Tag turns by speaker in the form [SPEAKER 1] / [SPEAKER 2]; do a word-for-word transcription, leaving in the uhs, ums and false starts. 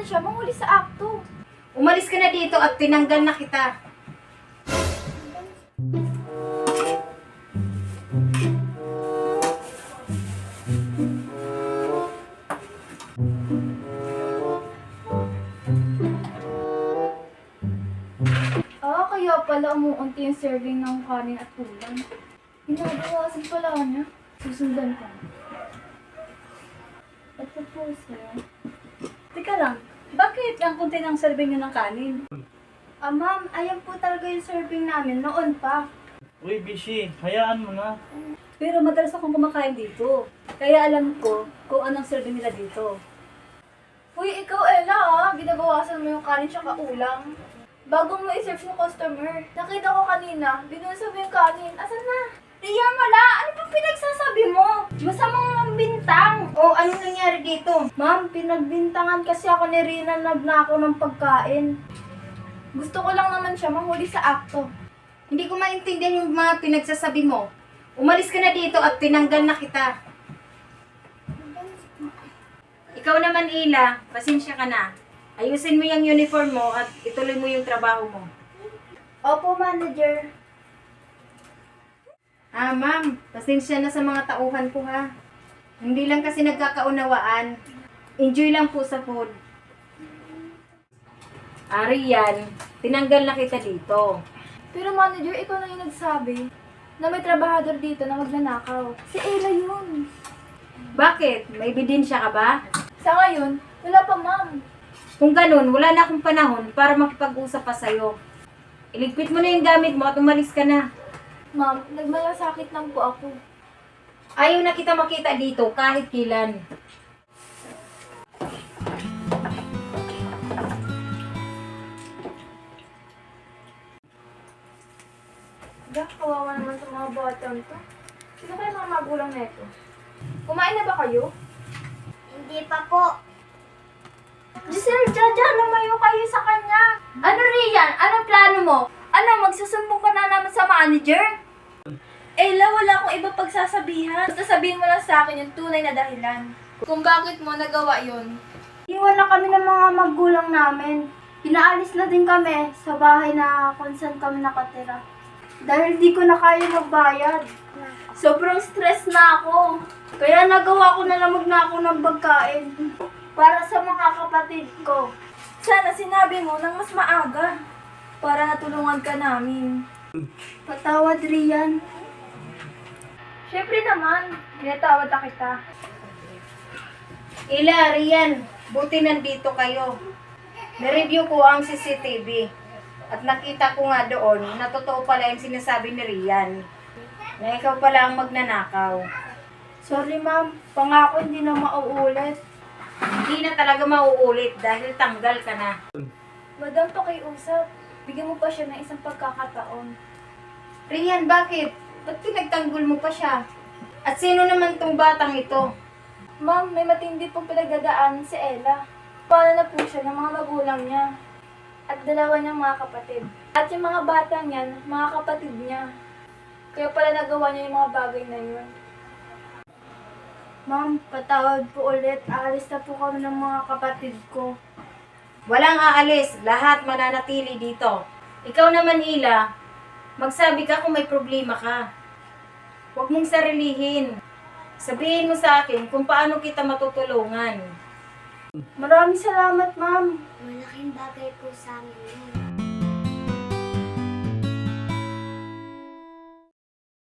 [SPEAKER 1] naman siya mahuli sa akto.
[SPEAKER 2] Umalis ka na dito at tinanggal na kita.
[SPEAKER 1] Ah, kaya pala umuunti yung serving ng kanin at ulam. Ginagawasan pala niya. Susundan ko. Ito po, sir.
[SPEAKER 3] Teka lang, bakit ang kunti ng serving nyo ng kanin?
[SPEAKER 1] Ah, ma'am, ayan po talaga yung serving namin noon pa.
[SPEAKER 4] Uy, Bishi, hayaan mo na.
[SPEAKER 3] Pero madalas akong kumakain dito. Kaya alam ko kung anong serving nila dito.
[SPEAKER 1] Uy, ikaw, Ella, ah. Ginabawasan mo yung kanin tsaka ulam. Bago mo i-serve yung customer. Nakita ko kanina, binusa mo yung kanin. Asan na? Riyan, wala. Ano bang pinagsasabi mo? Masamang bintang.
[SPEAKER 2] Oh, anong nangyari dito?
[SPEAKER 1] Ma'am, pinagbintangan kasi ako ni Rina nagnakaw ng pagkain. Gusto ko lang naman siya mahuli sa akto.
[SPEAKER 2] Hindi ko maintindihan yung mga pinagsasabi mo. Umalis ka na dito at tinanggal na kita. Ikaw naman, Ila, pasensya ka na. Ayusin mo yung uniform mo at ituloy mo yung trabaho mo.
[SPEAKER 1] Opo, manager.
[SPEAKER 2] Ah, ma'am, pasensya na sa mga tauhan ko ha. Hindi lang kasi nagkakaunawaan. Enjoy lang po sa food. Ari yan, tinanggal na kita dito.
[SPEAKER 1] Pero manager, ikaw na yung nagsabi na may trabahador dito na magnanakaw. Si Ella yun.
[SPEAKER 2] Bakit? May ebidensya ka ba?
[SPEAKER 1] Sa ngayon, wala pa, ma'am.
[SPEAKER 2] Kung ganun, wala na akong panahon para makipag-usap pa sa'yo. Iligpit mo na yung gamit mo at umalis ka na.
[SPEAKER 1] Ma'am, nagmalasakit lang po ako.
[SPEAKER 2] Ayaw na kita makita dito kahit kailan.
[SPEAKER 1] Dah, kawawa naman sa mga batang to. Sino kaya mga magulang na ito? Kumain na ba kayo?
[SPEAKER 5] Hindi pa po.
[SPEAKER 1] Giselle, Jaja, lumayo kayo sa kanya. Ano, Rian? Anong plano mo? Ano, magsusumbong ka na naman sa manager? Ella, wala akong iba pagsasabihan. Basta sabihin mo lang sa akin yung tunay na dahilan. Kung bakit mo nagawa yun. Iwan na kami ng mga magulang namin. Pinaalis na din kami sa bahay na kung saan kami nakatira. Dahil di ko na kaya magbayad. Sobrang stress na ako. Kaya nagawa ko na lang magnakaw ng pagkain. Para sa mga kapatid ko. Sana sinabi mo nang mas maaga. Para natulungan ka namin. Patawad, Rian. Siyempre naman, pinatawad na kita.
[SPEAKER 2] Ila, Rian, buti nandito kayo. Na-review ko ang C C T V. At nakita ko nga doon na totoo pala yung sinasabi ni Rian. Na ikaw pala ang magnanakaw.
[SPEAKER 1] Sorry, ma'am. Pangako hindi na mauulit.
[SPEAKER 2] Hindi na talaga mauulit dahil tanggal ka na.
[SPEAKER 1] Madam, pakiusap. Bigyan mo pa siya ng isang pagkakataon.
[SPEAKER 2] Rian, bakit? Ba't pinagtanggol mo pa siya? At sino naman tong batang ito?
[SPEAKER 1] Ma'am, may matindi pong pinagdadaan si Ella. Paano na po siya ng mga magulang niya. At dalawa niyang mga kapatid. At yung mga bata niyan, mga kapatid niya. Kaya pala nagawa niya yung mga bagay na yun. Ma'am, patawad po ulit. Aalis na po kami ng mga kapatid ko.
[SPEAKER 2] Walang aalis, lahat mananatili dito. Ikaw naman, Ila, magsabi ka kung may problema ka. Huwag mong sarilihin. Sabihin mo sa akin kung paano kita matutulungan.
[SPEAKER 1] Maraming salamat, ma'am.
[SPEAKER 5] Malaking bagay po sa amin yun.